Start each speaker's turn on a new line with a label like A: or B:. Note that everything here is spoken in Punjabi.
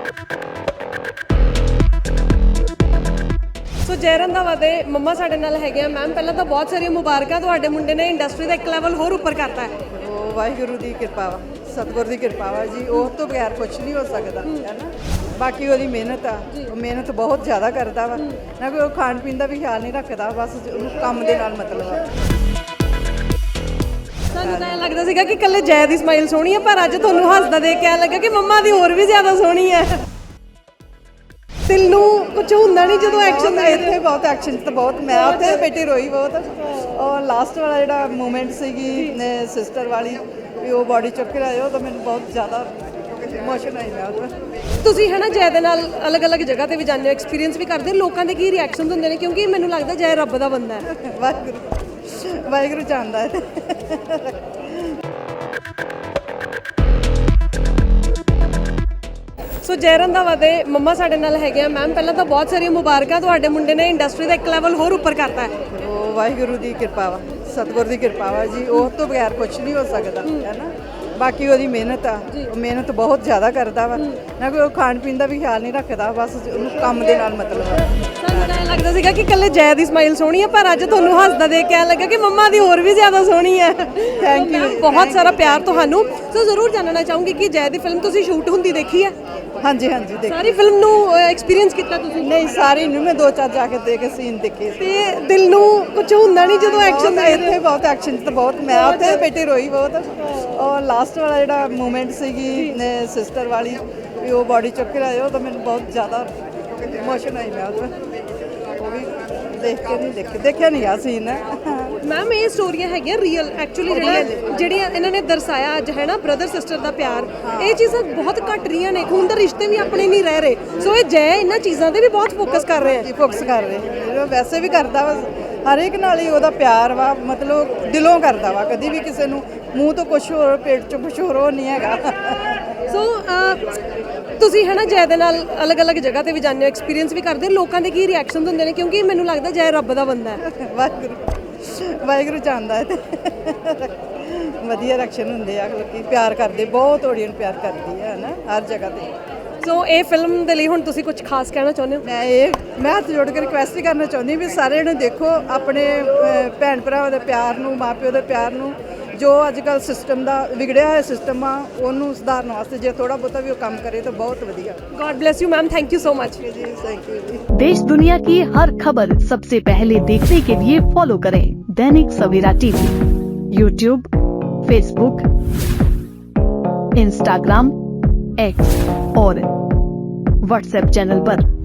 A: ਸੋ ਜੈ ਰੰਧਾਵਾ ਦੇ ਮੰਮਾ ਸਾਡੇ ਨਾਲ ਹੈਗੇ ਆ। ਮੈਮ ਪਹਿਲਾਂ ਤਾਂ ਬਹੁਤ ਸਾਰੀਆਂ ਮੁਬਾਰਕਾਂ, ਤੁਹਾਡੇ ਮੁੰਡੇ ਨੇ ਇੰਡਸਟਰੀ ਦਾ ਇੱਕ ਲੈਵਲ ਹੋਰ ਉੱਪਰ ਕਰਤਾ ਹੈ।
B: ਉਹ ਵਾਹਿਗੁਰੂ ਦੀ ਕਿਰਪਾ ਵਾ, ਸਤਿਗੁਰ ਦੀ ਕਿਰਪਾ ਵਾ ਜੀ। ਉਹ ਤੋਂ ਬਗੈਰ ਕੁਝ ਨਹੀਂ ਹੋ ਸਕਦਾ ਹੈ ਨਾ। ਬਾਕੀ ਉਹਦੀ ਮਿਹਨਤ ਆ, ਉਹ ਮਿਹਨਤ ਬਹੁਤ ਜ਼ਿਆਦਾ ਕਰਦਾ ਵਾ ਨਾ। ਕੋਈ ਉਹ ਖਾਣ ਪੀਣ ਦਾ ਵੀ ਖਿਆਲ ਨਹੀਂ ਰੱਖਦਾ, ਬਸ ਉਹਨੂੰ ਕੰਮ ਦੇ ਨਾਲ ਮਤਲਬ ਆ।
A: ਸਾਨੂੰ ਤਾਂ ਐਂ ਲੱਗਦਾ ਸੀਗਾ ਕਿ ਇਕੱਲੇ ਜੈ ਦੀ ਸਮਾਈਲ ਸੋਹਣੀ ਹੈ, ਪਰ ਅੱਜ ਤੁਹਾਨੂੰ ਹੱਸਦਾ ਦੇਖ ਕੇ ਐਂ ਲੱਗਾ ਕਿ ਮੰਮਾ ਦੀ ਹੋਰ ਵੀ ਜ਼ਿਆਦਾ ਸੋਹਣੀ ਹੈ। ਦਿਲ ਨੂੰ ਕੁਝ ਹੁੰਦਾ ਨਹੀਂ ਜਦੋਂ ਐਕਸ਼ਨ ਦੇ
B: ਇੱਥੇ ਬਹੁਤ ਐਕਸ਼ਨ ਤਾਂ ਬਹੁਤ, ਮੈਂ ਉੱਥੇ ਬੇਟੀ ਰੋਈ ਬਹੁਤ। ਉਹ ਲਾਸਟ ਵਾਲਾ ਜਿਹੜਾ ਮੂਮੈਂਟ ਸੀਗੀ ਸਿਸਟਰ ਵਾਲੀ, ਵੀ ਉਹ ਬਾਡੀ ਚੁੱਕ ਕੇ ਆਇਓ ਤਾਂ ਮੈਨੂੰ ਬਹੁਤ ਜ਼ਿਆਦਾ ਇਮੋਸ਼ਨ ਆਈ। ਮੈਂ ਉਹਦੇ
A: ਤੁਸੀਂ ਹੈ ਨਾ ਜੈ ਦੇ ਨਾਲ ਅਲੱਗ-ਅਲੱਗ ਜਗ੍ਹਾ ਤੇ ਵੀ ਜਾਂਦੇ ਹੋ, ਐਕਸਪੀਰੀਅੰਸ ਵੀ ਕਰਦੇ ਹੋ, ਲੋਕਾਂ ਦੇ ਕੀ ਰਿਐਕਸ਼ਨ ਹੁੰਦੇ ਨੇ? ਕਿਉਂਕਿ ਮੈਨੂੰ ਲੱਗਦਾ ਜੈ ਰੱਬ ਦਾ ਬੰਦਾ ਹੈ।
B: ਵਾਹਿਗੁਰੂ ਜਾਣਦਾ ਹੈ।
A: ਸੋ ਜੈ ਰੰਧਾਵਾ ਦੇ ਮੰਮਾ ਸਾਡੇ ਨਾਲ ਹੈਗੇ ਆ। ਮੈਮ ਪਹਿਲਾਂ ਤਾਂ ਬਹੁਤ ਸਾਰੀਆਂ ਮੁਬਾਰਕਾਂ, ਤੁਹਾਡੇ ਮੁੰਡੇ ਨੇ ਇੰਡਸਟਰੀ ਦਾ ਇੱਕ ਲੈਵਲ ਹੋਰ ਉੱਪਰ ਕਰਤਾ ਹੈ।
B: ਉਹ ਵਾਹਿਗੁਰੂ ਦੀ ਕਿਰਪਾ ਵਾ, ਸਤਿਗੁਰ ਦੀ ਕਿਰਪਾ ਵਾ ਜੀ। ਉਹ ਤੋਂ ਬਗੈਰ ਕੁਝ ਨਹੀਂ ਹੋ ਸਕਦਾ ਹੈ ਨਾ। ਬਾਕੀ ਉਹਦੀ ਮਿਹਨਤ ਆ, ਉਹ ਮਿਹਨਤ ਬਹੁਤ ਜ਼ਿਆਦਾ ਕਰਦਾ ਵਾ ਨਾ। ਕੋਈ ਉਹ ਖਾਣ ਪੀਣ ਦਾ ਵੀ ਖਿਆਲ ਨਹੀਂ ਰੱਖਦਾ, ਬਸ ਉਹਨੂੰ ਕੰਮ ਦੇ ਨਾਲ ਮਤਲਬ ਆ।
A: ਸਾਨੂੰ ਤਾਂ ਐਂ ਲੱਗਦਾ ਸੀਗਾ ਕਿ ਇਕੱਲੇ ਜੈ ਦੀ ਸਮਾਈਲ ਸੋਹਣੀ ਹੈ, ਪਰ ਅੱਜ ਤੁਹਾਨੂੰ ਹੱਸਦਾ ਦੇਖ ਕੇ ਐਂ ਲੱਗਾ ਕਿ ਮੰਮਾ ਦੀ ਹੋਰ ਵੀ ਜ਼ਿਆਦਾ ਸੋਹਣੀ ਹੈ।
B: Thank you.
A: ਬਹੁਤ ਸਾਰਾ ਪਿਆਰ ਤੁਹਾਨੂੰ। ਸੋ ਜ਼ਰੂਰ ਜਾਣਨਾ ਚਾਹੂੰਗੀ ਕਿ ਜੈ ਦੀ ਫਿਲਮ ਤੁਸੀਂ ਸ਼ੂਟ ਹੁੰਦੀ ਦੇਖੀ ਹੈ?
B: ਹਾਂਜੀ ਹਾਂਜੀ, ਦੇਖ
A: ਸਾਰੀ ਫਿਲਮ ਨੂੰ ਐਕਸਪੀਰੀਅੰਸ ਕੀਤਾ ਤੁਸੀਂ?
B: ਨਹੀਂ, ਸਾਰੀ ਨੂੰ ਮੈਂ 2-4 ਜਾ ਕੇ ਦੇਖ ਕੇ ਸੀਨ ਦੇਖੇ ਸੀ।
A: ਤੇ ਦਿਲ ਨੂੰ ਕੁਝ ਹੁੰਦਾ ਨਹੀਂ ਜਦੋਂ ਐਕਸ਼ਨ ਦੇ?
B: ਇੱਥੇ ਬਹੁਤ ਐਕਸ਼ਨ ਤਾਂ ਬਹੁਤ, ਮੈਂ ਉੱਥੇ ਬੇਟੀ ਰੋਈ ਬਹੁਤ। ਉਹ ਲਾਸਟ ਵਾਲਾ ਜਿਹੜਾ ਮੂਮੈਂਟ ਸੀਗੀ ਸਿਸਟਰ ਵਾਲੀ, ਵੀ ਉਹ ਬਾਡੀ ਚੁੱਕ ਕੇ ਆਇਓ ਤਾਂ ਮੈਨੂੰ ਬਹੁਤ ਜ਼ਿਆਦਾ ਇਮੋਸ਼ਨ ਆਈ। ਮੈਂ ਉਹਦੇ ਉਹ ਵੀ ਦੇਖ ਕੇ ਨਹੀਂ ਦੇਖਿਆ ਨਹੀਂ ਆ ਸੀਨ।
A: ਮੈਮ ਇਹ ਸਟੋਰੀਆਂ ਹੈਗੀਆਂ ਰੀਅਲ, ਐਕਚੁਅਲੀ ਜਿਹੜੀਆਂ ਇਹਨਾਂ ਨੇ ਦਰਸਾਇਆ ਅੱਜ ਹੈ ਨਾ, ਬ੍ਰਦਰ ਸਿਸਟਰ ਦਾ ਪਿਆਰ, ਇਹ ਚੀਜ਼ਾਂ ਬਹੁਤ ਘੱਟ ਰਹੀਆਂ ਨੇ। ਖੂਨ ਦੇ ਰਿਸ਼ਤੇ ਵੀ ਆਪਣੇ ਨਹੀਂ ਰਹਿ ਰਹੇ। ਸੋ ਇਹ ਜੈ ਇਹਨਾਂ ਚੀਜ਼ਾਂ ਤੇ ਵੀ ਬਹੁਤ ਫੋਕਸ ਕਰ ਰਹੇ ਆ।
B: ਫੋਕਸ ਕਰ ਰਹੇ, ਵੈਸੇ ਵੀ ਕਰਦਾ ਵਾ ਹਰ ਇੱਕ ਨਾਲ ਹੀ। ਉਹਦਾ ਪਿਆਰ ਵਾ, ਮਤਲਬ ਦਿਲੋਂ ਕਰਦਾ ਵਾ। ਕਦੀ ਵੀ ਕਿਸੇ ਨੂੰ ਮੂੰਹ ਤੋਂ ਕੁਛ ਹੋਰ, ਪੇਟ ਚੋਂ ਕੁਛ ਹੋਰ, ਉਹ ਨਹੀਂ ਹੈਗਾ।
A: ਸੋ ਤੁਸੀਂ ਹੈ ਨਾ ਜੈ ਦੇ ਨਾਲ ਅਲੱਗ-ਅਲੱਗ ਜਗ੍ਹਾ ਤੇ ਵੀ ਜਾਂਦੇ ਹੋ, ਐਕਸਪੀਰੀਅੰਸ ਵੀ ਕਰਦੇ ਹੋ, ਲੋਕਾਂ ਦੇ ਕੀ ਰਿਐਕਸ਼ਨ ਹੁੰਦੇ ਨੇ? ਕਿਉਂਕਿ ਮੈਨੂੰ ਲੱਗਦਾ ਜੈ ਰੱਬ ਦਾ ਬੰਦਾ ਹੈ।
B: ਵਾਹਿਗੁਰੂ ਜਾਣਦਾ ਹੈ। ਵਧੀਆ ਰਿਐਕਸ਼ਨ ਹੁੰਦੇ ਆ, ਲੋਕੀ ਪਿਆਰ ਕਰਦੇ, ਬਹੁਤ ਆਡੀਅנס ਪਿਆਰ ਕਰਦੀ ਹੈ ਨਾ ਹਰ ਜਗ੍ਹਾ ਤੇ।
A: ਸੋ ਇਹ ਫਿਲਮ ਦੇ ਲਈ ਹੁਣ ਤੁਸੀਂ ਕੁਝ ਖਾਸ ਕਹਿਣਾ ਚਾਹੁੰਦੇ ਹੋ?
B: ਮੈਂ ਹੱਥ ਜੋੜ ਕੇ ਰਿਕੁਐਸਟ ਹੀ ਕਰਨਾ ਚਾਹੁੰਦੀ ਵੀ ਸਾਰਿਆਂ ਨੂੰ ਦੇਖੋ, ਆਪਣੇ ਭੈਣ ਭਰਾਵਾਂ ਦੇ ਪਿਆਰ ਨੂੰ, ਮਾਂ ਪਿਓ ਦੇ ਪਿਆਰ ਨੂੰ। ਜੋ ਅੱਜ ਕੱਲ੍ਹ ਸਿਸਟਮ ਦਾ ਵਿਗੜਿਆ ਹੋਇਆ ਸਿਸਟਮ ਆ, ਉਹਨੂੰ ਸੁਧਾਰਨ ਵਾਸਤੇ ਜੇ ਥੋੜਾ ਬਹੁਤਾ ਵੀ ਉਹ ਕੰਮ ਕਰੇ ਤਾਂ ਬਹੁਤ ਵਧੀਆ।
A: God bless you ma'am, thank you so much.
B: ਜੀ ਥੈਂਕ ਯੂ ਜੀ।
C: देश दुनिया की हर खबर सबसे पहले देखने के लिए फॉलो करें Dainik Savera TV, YouTube, Facebook, Instagram, X और व्हाट्सएप चैनल पर।